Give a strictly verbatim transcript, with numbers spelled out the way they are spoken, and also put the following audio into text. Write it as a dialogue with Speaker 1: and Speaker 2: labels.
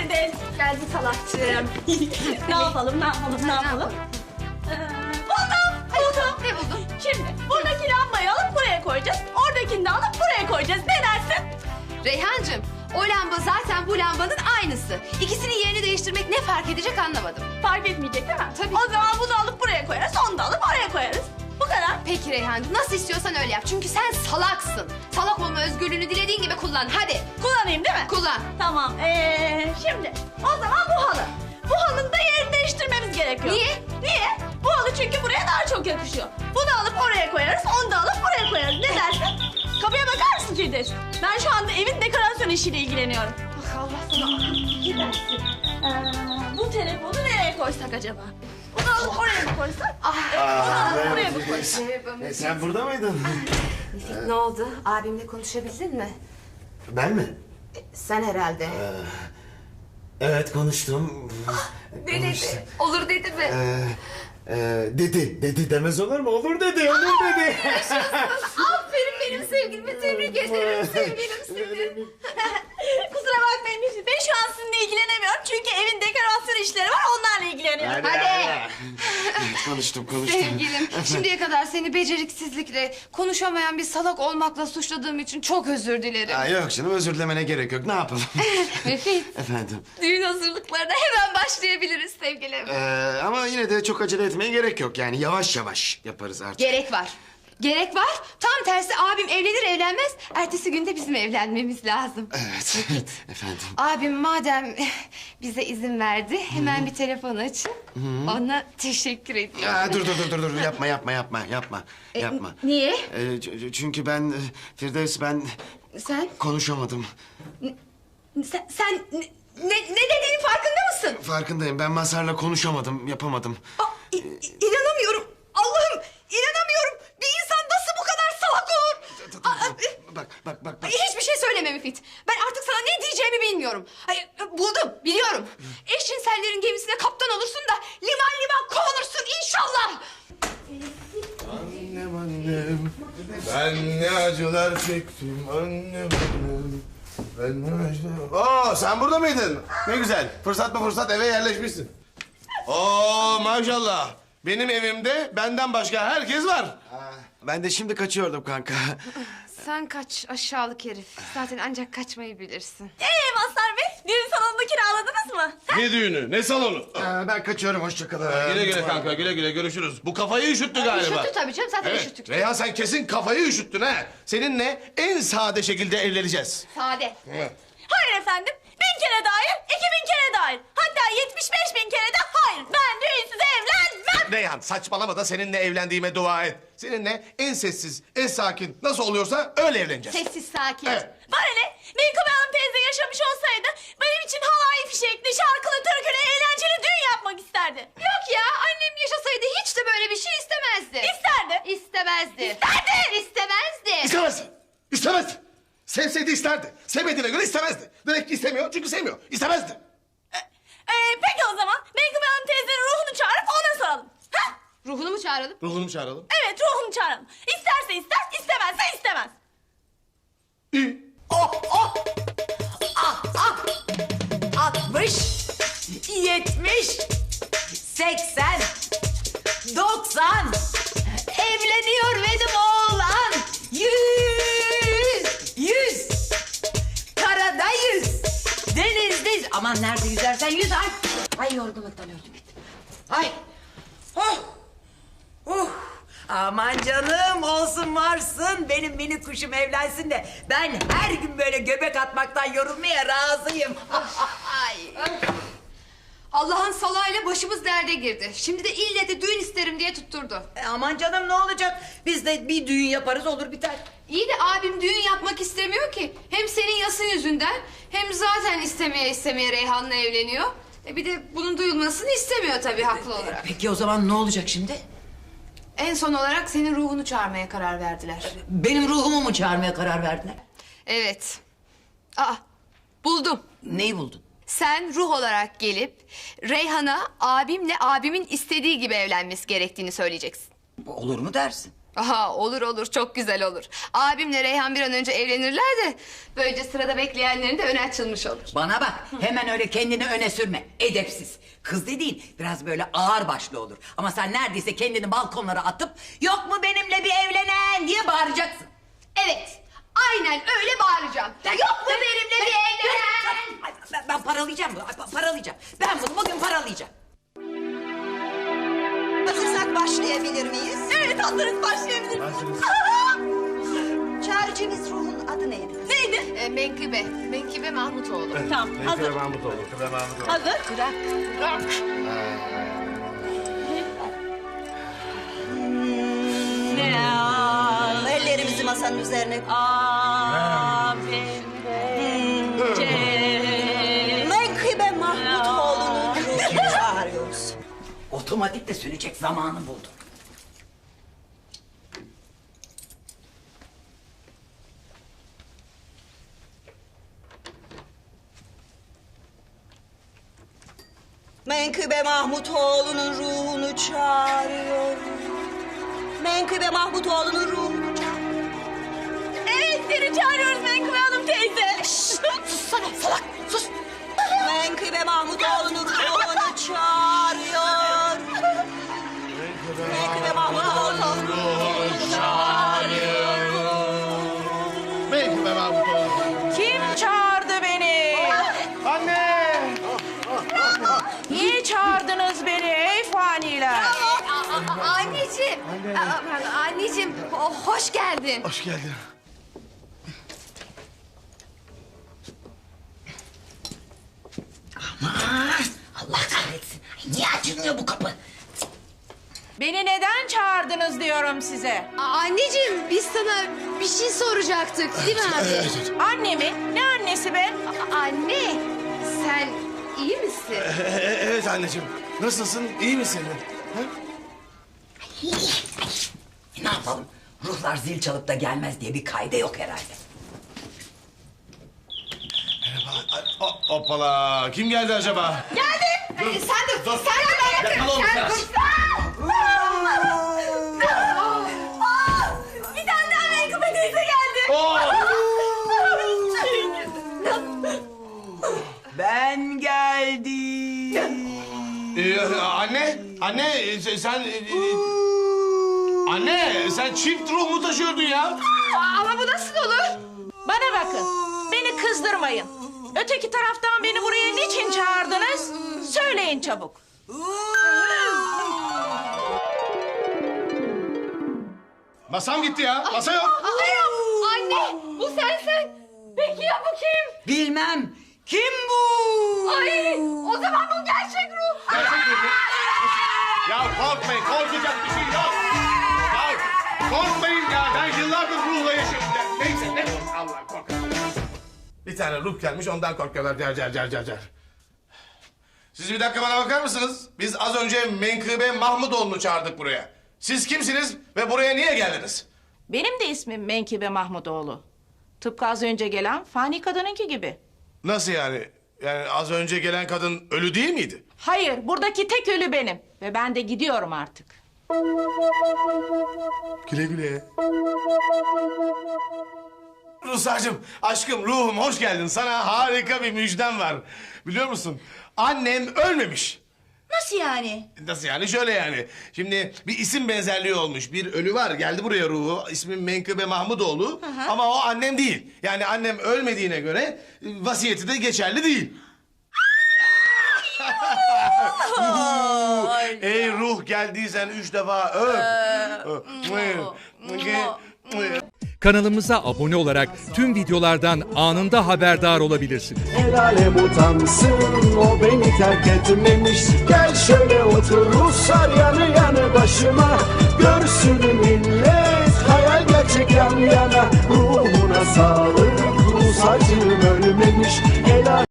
Speaker 1: Firdevs.
Speaker 2: Geldi salakçığım.
Speaker 1: Ne yapalım, ne yapalım, ne yapalım? Ee, buldum, buldum.
Speaker 2: Ne buldun?
Speaker 1: Şimdi buradaki lambayı alıp buraya koyacağız. Oradakini de alıp buraya koyacağız. Ne dersin?
Speaker 2: Reyhancığım, o lamba zaten bu lambanın aynısı. İkisinin yerini değiştirmek ne fark edecek anlamadım.
Speaker 1: Fark etmeyecek değil mi?
Speaker 2: Tabii.
Speaker 1: O zaman bunu alıp buraya koyarız, onu da alıp oraya koyarız. Bu kadar.
Speaker 2: Peki Reyhancığım, nasıl istiyorsan öyle yap. Çünkü sen salaksın. Salak olma özgürlüğünü dilediğin gibi kullan. Hadi
Speaker 1: Kullanayım değil mi?
Speaker 2: kullan.
Speaker 1: Tamam. Ee, şimdi o zaman bu halı. Bu halının da yerini değiştirmemiz gerekiyor.
Speaker 2: Niye?
Speaker 1: Niye? Bu halı çünkü buraya daha çok yakışıyor. Bunu alıp oraya koyarız, onu da alıp buraya koyarız. Ne dersin? Kapıya bakar mısın Firdevs? Ben şu anda evin dekorasyon işiyle ilgileniyorum.
Speaker 2: Ah, Allah sana.
Speaker 1: Gidersin. Ee, bu telefonu nereye koysak acaba? Bunu alıp oraya mı koysak?
Speaker 2: Ah.
Speaker 1: Bunu alıp oraya mı koysak?
Speaker 3: E, sen burada mıydın?
Speaker 2: Ne oldu? Abimle konuşabildin mi?
Speaker 3: Ben mi?
Speaker 2: Sen herhalde.
Speaker 3: Evet konuştum.
Speaker 2: Ne dedi? Olur dedi mi?
Speaker 3: Ee, e, dedi. Dedi demez olur mu? Olur dedi. Olur dedi.
Speaker 2: Aferin benim sevgilime, tebrik ederim sevgilim seni.
Speaker 1: Kusura bakmayın ben şu an sizinle ilgilenemiyorum. Çünkü evin dekorasyon işleri var, onlarla ilgileniyorum.
Speaker 2: Hadi.
Speaker 3: konuştum konuştum.
Speaker 2: Sevgilim, şimdiye kadar seni beceriksizlikle, konuşamayan bir salak olmakla suçladığım için çok özür dilerim.
Speaker 3: Aa, yok canım özür dilemene gerek yok. Ne yapalım?
Speaker 2: Müfit,
Speaker 3: Efendim.
Speaker 2: düğün hazırlıklarına hemen başlayabiliriz sevgilim.
Speaker 3: Ee, ama yine de çok acele etmeye gerek yok. Yani yavaş yavaş yaparız artık.
Speaker 2: Gerek var. Gerek var. Tam tersi abim evlenir evlenmez ertesi günde bizim evlenmemiz lazım.
Speaker 3: Evet. Efendim.
Speaker 2: Abim madem bize izin verdi hemen bir telefon açın. Ona teşekkür ediyorum.
Speaker 3: Aa, dur dur dur dur dur yapma yapma yapma yapma
Speaker 2: E,
Speaker 3: yapma.
Speaker 2: Niye?
Speaker 3: Ee, ç- çünkü ben e, Firdevs ben
Speaker 2: Sen,
Speaker 3: konuşamadım.
Speaker 2: sen, sen ne, ne, ne dediğinin farkında mısın?
Speaker 3: Farkındayım. Ben Mazhar'la konuşamadım, yapamadım.
Speaker 2: Aa, i- i- inanamıyorum. Allah'ım inanamıyorum. Bir insan nasıl bu kadar salak olur? Aa, e,
Speaker 3: Bak bak bak bak.
Speaker 2: Hiçbir şey söyleme Müfit. Ben artık sana ne diyeceğimi bilmiyorum. Ay, buldum, biliyorum. Eşcinsellerin gemisine kaptan olursun da liman liman kovulursun inşallah.
Speaker 4: Annem annem, ben ne acılar çektim annem annem. Ben ne acılar... Oo, sen burada mıydın? Ne güzel. Fırsat mı fırsat eve yerleşmişsin. Oo maşallah. Benim evimde benden başka herkes var.
Speaker 3: Ben de şimdi kaçıyordum kanka.
Speaker 2: Sen kaç aşağılık herif. Zaten ancak kaçmayı bilirsin.
Speaker 1: Ee Mazhar Bey, düğün salonunu kiraladınız mı?
Speaker 4: Ne düğünü, ne salonu?
Speaker 3: Ee, ben kaçıyorum, hoşça kalın.
Speaker 4: Güle güle kanka, güle güle görüşürüz. Bu kafayı üşüttü galiba.
Speaker 2: Üşüttü tabii canım, zaten
Speaker 4: Evet.
Speaker 2: üşüttük.
Speaker 4: Reyhan sen kesin kafayı üşüttün ha. Seninle en sade şekilde evleneceğiz.
Speaker 2: Sade.
Speaker 4: Evet.
Speaker 1: Hayır efendim. Bin kere de hayır, iki bin kere de hayır. Hatta yetmiş beş bin kere de hayır. Ben düğünsüz evlenmem.
Speaker 4: Reyhan saçmalama da seninle evlendiğime dua et. Seninle en sessiz, en sakin nasıl oluyorsa öyle evleneceğiz.
Speaker 2: Sessiz sakin.
Speaker 4: Evet.
Speaker 1: Bana ne? Menkıbe Hanım teyze yaşamış olsaydı benim için halay fişekli, şarkılı, türkülü, eğlenceli düğün yapmak isterdi.
Speaker 2: Yok ya, annem yaşasaydı hiç de böyle bir şey istemezdi.
Speaker 1: İsterdi.
Speaker 2: İstemezdi.
Speaker 1: İsterdi.
Speaker 2: İstemezdi.
Speaker 4: İstemez. İstemez. Sevseydi isterdi. Sevmediğine göre istemezdi. Demek ki istemiyor çünkü sevmiyor. İstemezdi.
Speaker 1: Ee, peki o zaman Menkıbe Hanım teyzenin ruhunu çağırıp ona soralım. Ha?
Speaker 2: Ruhunu mu çağıralım?
Speaker 4: Ruhunu mu çağıralım?
Speaker 1: Evet, ruhunu çağıralım. İsterse ister, istemezse istemez.
Speaker 4: İyi.
Speaker 5: altmış, yetmiş, seksen, doksan. Evleniyor benim oğlan. Yüz, yüz. Karada yüz. Denizde yüz. Aman nerede yüzersen yüz ay. Ay yorgunluktan öldüm ettim. Ay. Oh. Oh. Aman canım olsun varsın. Benim minik kuşum evlensin de ben her gün böyle göbek atmaktan yorulmaya razıyım. Ay.
Speaker 2: Allah'ın salayla başımız derde girdi. Şimdi de ille de düğün isterim diye tutturdu.
Speaker 5: E, aman canım ne olacak? Biz de bir düğün yaparız olur biter.
Speaker 2: İyi de abim düğün yapmak istemiyor ki. Hem senin yasın yüzünden hem zaten istemeye istemeye Reyhan'la evleniyor. E bir de bunun duyulmasını istemiyor tabii haklı olarak.
Speaker 5: Peki o zaman ne olacak şimdi?
Speaker 2: En son olarak senin ruhunu çağırmaya karar verdiler.
Speaker 5: Benim ruhumu mu çağırmaya karar verdiler?
Speaker 2: Evet. Aa, buldum.
Speaker 5: Neyi buldun?
Speaker 2: Sen ruh olarak gelip Reyhan'a abimle abimin istediği gibi evlenmesi gerektiğini söyleyeceksin.
Speaker 5: Olur mu dersin?
Speaker 2: Aha, olur olur, çok güzel olur. Abimle Reyhan bir an önce evlenirler de böylece sırada bekleyenlerin de önü açılmış olur.
Speaker 5: Bana bak, hemen öyle kendini öne sürme. Edepsiz. Kız dediğin biraz böyle ağır başlı olur. Ama sen neredeyse kendini balkonlara atıp yok mu benimle bir evlenen diye bağıracaksın.
Speaker 2: Evet, aynen öyle bağıracağım. Yok mu benimle bir evlenen?
Speaker 5: Ay, Ben, ben paralayacağım bunu, ay, paralayacağım. Ben bunu bugün paralayacağım.
Speaker 6: Hazırsak başlayabilir miyiz?
Speaker 1: Evet hazırız başlayabiliriz.
Speaker 6: Çağrıcımız ruhun adı neydi?
Speaker 1: Neydi?
Speaker 2: E, Menkıbe, Menkıbe Mahmutoğlu.
Speaker 1: Tamam hazır.
Speaker 4: Mahmutoğlu. Kıbe Mahmutoğlu.
Speaker 1: Hazır.
Speaker 5: Bırak.
Speaker 1: Ne al?
Speaker 6: Ellerimizi masanın üzerine koy.
Speaker 1: Abim bence.
Speaker 6: Menkıbe Mahmutoğlu'nun ruhunu çağırıyoruz.
Speaker 5: Otomatik de sönecek zamanı buldum.
Speaker 6: Menkıbe Mahmutoğlu'nun ruhunu çağırıyoruz. Menkıbe Mahmutoğlu'nun ruhunu çağırıyoruz.
Speaker 1: Evet seni çağırıyoruz Menkıbe Hanım teyze.
Speaker 6: Sussana salak sus. Menkıbe Mahmutoğlu'nun ruhunu çağırıyor. Menkıbe Mahmutoğlu'nun ruhunu çağırıyor.
Speaker 4: Menkıbe Mahmutoğlu.
Speaker 7: Kim çağırdı beni?
Speaker 4: Anne!
Speaker 7: Niye çağırdınız beni ey faniler?
Speaker 2: Aa, anneciğim, Aa, anneciğim, ho- hoş geldin.
Speaker 4: Hoş geldin.
Speaker 5: Allah kahretsin. Niye açılmıyor bu kapı?
Speaker 7: Beni neden çağırdınız diyorum size.
Speaker 2: Aa, anneciğim, biz sana bir şey soracaktık, değil mi abi?
Speaker 7: Annemi? Ne annesi be?
Speaker 2: Aa, anne, sen iyi misin?
Speaker 4: Ee, evet anneciğim. Nasılsın? İyi misin? Ha?
Speaker 5: E, ne yapalım? Ruhlar zil çalıp da gelmez diye bir kaide yok herhalde.
Speaker 4: Hop- Hoppala. Kim geldi acaba?
Speaker 2: Ee, sen de, sen de ben
Speaker 4: Yakala onu
Speaker 2: sen
Speaker 4: biraz.
Speaker 2: dur.
Speaker 1: Bir tane daha Menkıbe teyze geldi.
Speaker 4: Oo!
Speaker 5: Ben geldim.
Speaker 4: Ee, anne, anne e, sen... e, e, anne, sen çift ruh mu taşıyordun ya?
Speaker 2: Ama bu nasıl olur?
Speaker 7: Bana bakın. Beni kızdırmayın. Öteki taraftan beni buraya niçin çağırdınız? Söyleyin çabuk.
Speaker 4: Masam gitti ya, masa yok.
Speaker 2: Aa, anne, bu sensin. Peki ya bu kim?
Speaker 5: Bilmem. Kim bu?
Speaker 2: Ay, o zaman bu gerçek ruh.
Speaker 4: Gerçek ruh mu? Ya korkmayın, korkacak bir şey yok. Ya korkmayın ya, ben yıllardır ruhla yaşıyorum. Ya, neyse, ne kork, Allah kork. Bir tane ruh gelmiş, ondan korkuyorlar. Cer cer cer cer cer. Siz bir dakika bana bakar mısınız? Biz az önce Menkıbe Mahmutoğlu'nu çağırdık buraya. Siz kimsiniz ve buraya niye geldiniz?
Speaker 7: Benim de ismim Menkıbe Mahmutoğlu. Tıpkı az önce gelen fani kadınınki gibi.
Speaker 4: Nasıl yani? Yani az önce gelen kadın ölü değil miydi?
Speaker 7: Hayır, buradaki tek ölü benim. Ve ben de gidiyorum artık.
Speaker 4: Güle güle. Ruhsarcığım, aşkım, ruhum hoş geldin. Sana harika bir müjdem var. Biliyor musun? Annem ölmemiş.
Speaker 1: Nasıl yani?
Speaker 4: Nasıl yani? Şöyle yani. Şimdi bir isim benzerliği olmuş. Bir ölü var. Geldi buraya ruhu. İsmi Menkıbe Mahmutoğlu. Ama o annem değil. Yani annem ölmediğine göre e, vasiyeti de geçerli değil. Ey ruh geldiysen üç defa öp.
Speaker 8: Kanalımıza abone olarak tüm videolardan anında haberdar olabilirsiniz.
Speaker 9: El alem utansın, o beni terk etmemiş. Gel şöyle otur Ruslar yanı yanı başıma. Görsün millet hayal gerçek yan yana. Ruhuna sağlık, Rus acım ölmemiş. El alem-